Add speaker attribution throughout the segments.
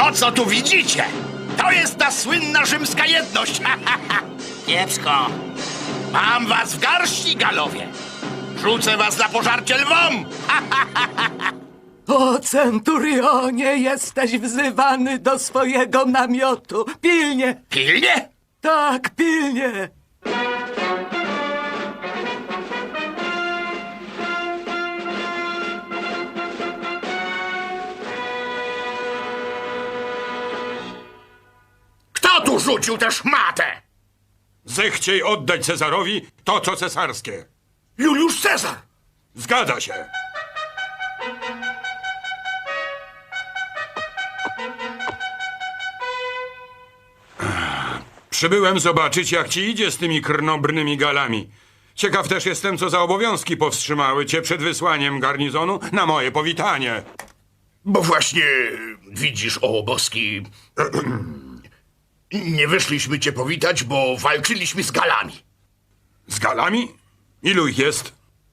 Speaker 1: To, co tu widzicie, to jest ta słynna rzymska jedność.
Speaker 2: Kiepsko.
Speaker 1: Mam was w garści, Galowie. Rzucę was na pożarcie lwom.
Speaker 3: O, centurionie, jesteś wzywany do swojego namiotu. Pilnie!
Speaker 1: Pilnie?
Speaker 3: Tak, pilnie!
Speaker 1: Kto tu rzucił tę szmatę?
Speaker 4: Zechciej oddać Cezarowi to, co cesarskie.
Speaker 1: Juliusz Cezar.
Speaker 4: Zgadza się. Przybyłem zobaczyć, jak ci idzie z tymi krnobrnymi Galami. Ciekaw też jestem, co za obowiązki powstrzymały cię przed wysłaniem garnizonu na moje powitanie.
Speaker 1: Bo właśnie, widzisz, o boski, nie wyszliśmy cię powitać, bo walczyliśmy z Galami.
Speaker 4: Z Galami? Ilu ich jest?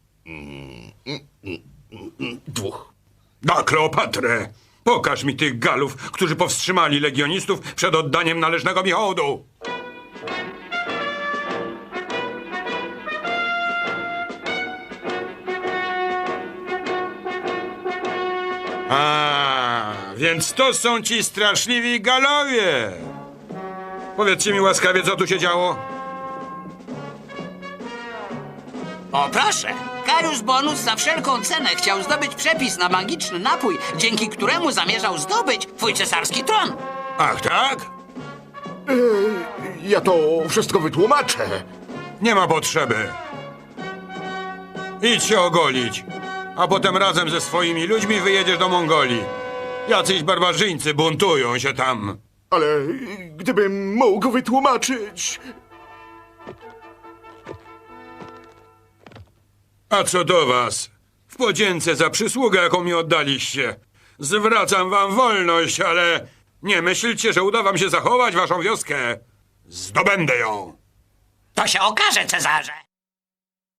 Speaker 1: 2.
Speaker 4: Na Kleopatrę! Pokaż mi tych Galów, którzy powstrzymali legionistów przed oddaniem należnego mi hołdu. A, więc to są ci straszliwi Galowie. Powiedzcie mi łaskawie, co tu się działo?
Speaker 2: O proszę, Caius Bonus za wszelką cenę chciał zdobyć przepis na magiczny napój, dzięki któremu zamierzał zdobyć twój cesarski tron.
Speaker 4: Ach, tak?
Speaker 1: Ja to wszystko wytłumaczę.
Speaker 4: Nie ma potrzeby. Idź się ogolić, a potem razem ze swoimi ludźmi wyjedziesz do Mongolii. Jacyś barbarzyńcy buntują się tam.
Speaker 1: Ale gdybym mógł wytłumaczyć...
Speaker 4: A co do was? W podzięce za przysługę, jaką mi oddaliście. Zwracam wam wolność, ale nie myślcie, że uda wam się zachować waszą wioskę. Zdobędę ją.
Speaker 2: To się okaże, Cezarze.